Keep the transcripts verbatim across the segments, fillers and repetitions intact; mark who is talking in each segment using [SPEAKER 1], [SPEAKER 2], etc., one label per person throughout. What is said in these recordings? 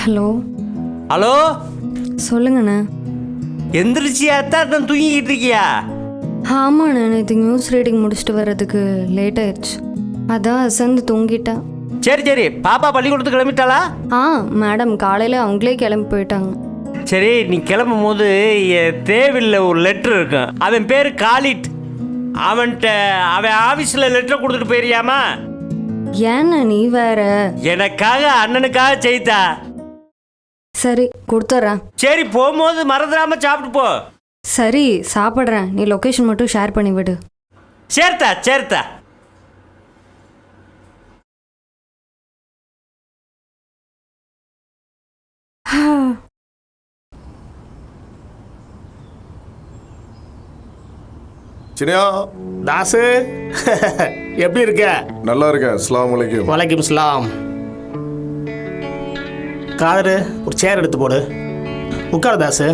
[SPEAKER 1] Hello
[SPEAKER 2] hello
[SPEAKER 1] சொல்லுங்கண்ணே.
[SPEAKER 2] எந்திரிச்சியா தான் தூங்கிக்கிட்டு இருக்கியா?
[SPEAKER 1] ஆமாண்ணே, நேற்று நியூஸ் ரீடிங் முடிச்சுட்டு வர்றதுக்கு லேட் ஆயிடுச்சு, அதான் அசந்து தூங்கிட்டேன்.
[SPEAKER 2] சரி சரி, பாப்பா பள்ளிக்கூடத்துக்கு கிளம்பிட்டாளா?
[SPEAKER 1] ஆ மேடம் காலையில் அவங்களே கிளம்பி போயிட்டாங்க.
[SPEAKER 2] சரி, நீ கிளம்பும் போது தேவையில்லை ஒரு லெட்ரு இருக்கும், அவன் பேர் காலிட், அவன்கிட்ட அவன் ஆஃபீஸில் லெட்டர் கொடுத்துட்டு போயிருயாமா?
[SPEAKER 1] ஏண்ணா நீ வேற.
[SPEAKER 2] எனக்காக அண்ணனுக்காக செய்தா.
[SPEAKER 1] சரி கொடுத்துட்றேன்.
[SPEAKER 2] சரி, போகும்போது மறந்துடாம சாப்பிட்டு போ.
[SPEAKER 1] சரி சாப்பிட்றேன், நீ லொக்கேஷன் மட்டும் ஷேர் பண்ணி விடு.
[SPEAKER 2] சேர்த்தா சேர்த்தா.
[SPEAKER 3] சினியா
[SPEAKER 4] தாசு எப்படி இருக்க?
[SPEAKER 3] நல்லா இருக்கேன். அஸ்ஸலாமு அலைக்கும்.
[SPEAKER 4] வலைக்கும் சலாம். காதரு ஒரு சேர் எடுத்து போடு, உட்காரு தாசு.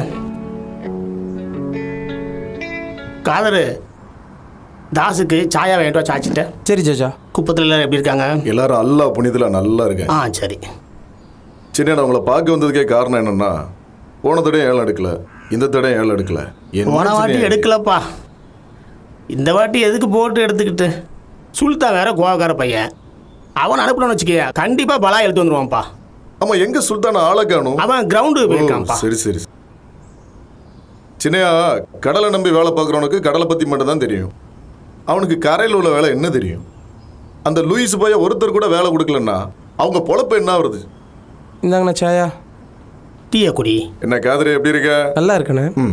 [SPEAKER 4] காதரு தாசுக்கு சாயா வேண்டாம் சாச்சிட்ட.
[SPEAKER 5] சரி ஜாஜா.
[SPEAKER 4] குப்பத்தில் எல்லாரும் எப்படி இருக்காங்க?
[SPEAKER 3] எல்லாரும் அல்லாஹ் புனிதல நல்லா இருக்கேன்.
[SPEAKER 4] ஆ சரி.
[SPEAKER 3] சின்ன நான் உங்களை பார்க்க வந்ததுக்கே காரணம் என்னன்னா, போன தடையும் ஏழை எடுக்கல, இந்த தடையும் ஏழை எடுக்கல.
[SPEAKER 4] போன வாட்டி எடுக்கலப்பா, இந்த வாட்டி எதுக்கு போட்டு எடுத்துக்கிட்டு? சுல்தான் வேற கோவக்கார பையன், அவன் அனுப்பணும்னு வச்சுக்கிய கண்டிப்பாக பலா எடுத்து வந்துடுவான்ப்பா.
[SPEAKER 3] ஆமா, எங்க சுல்தான ஆளை காணும்?
[SPEAKER 4] அவன் கிரவுண்டு போயிருக்கான்ப்பா.
[SPEAKER 3] சரி சரி. சின்னையா, கடலை நம்பி வேலை பார்க்குறவனுக்கு கடலை பற்றி மட்டும் தான் தெரியும், அவனுக்கு கரையில் உள்ள வேலை என்ன தெரியும்? அந்த லூயிஸ் போய் ஒருத்தர் கூட வேலை கொடுக்கலன்னா அவங்க பொழப்பு என்ன ஆகுறது?
[SPEAKER 5] இந்தாங்கண்ணா சாயா.
[SPEAKER 4] டீயா குடி.
[SPEAKER 3] என்ன காதரி, எப்படி இருக்க?
[SPEAKER 5] நல்லா இருக்கண்ணே.
[SPEAKER 3] ம்.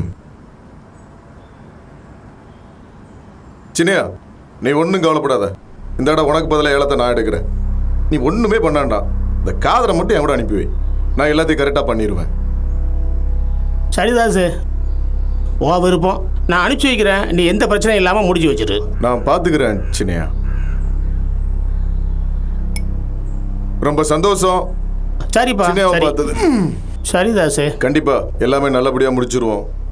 [SPEAKER 3] சின்னையா, நீ ஒன்றும் கவலைப்படாத, இந்த இடம் உனக்கு பதிலாக ஏலத்தை நான் எடுக்கிறேன். நீ ஒன்றுமே பண்ணாண்டா, இந்த காதரை மட்டும் என் கூட அனுப்பி வை, நான் எல்லாத்தையும் கரெக்டாக பண்ணிடுவேன்.
[SPEAKER 4] சரிதாசு, ஓ விருப்பம், நான் அனுப்பிச்சி வைக்கிறேன், நீ எந்த பிரச்சனையும் இல்லாமல் முடிச்சு வச்சிரு.
[SPEAKER 3] நான் பார்த்துக்கிறேன் சின்னையா. ரொம்ப சந்தோஷம்
[SPEAKER 4] சரிப்பா.
[SPEAKER 3] சின்னையாவை
[SPEAKER 4] சரி.
[SPEAKER 3] பார்த்தது.
[SPEAKER 4] சரிதாசு,
[SPEAKER 3] கண்டிப்பா எல்லாமே நல்லபடியாக முடிச்சிருவோம்.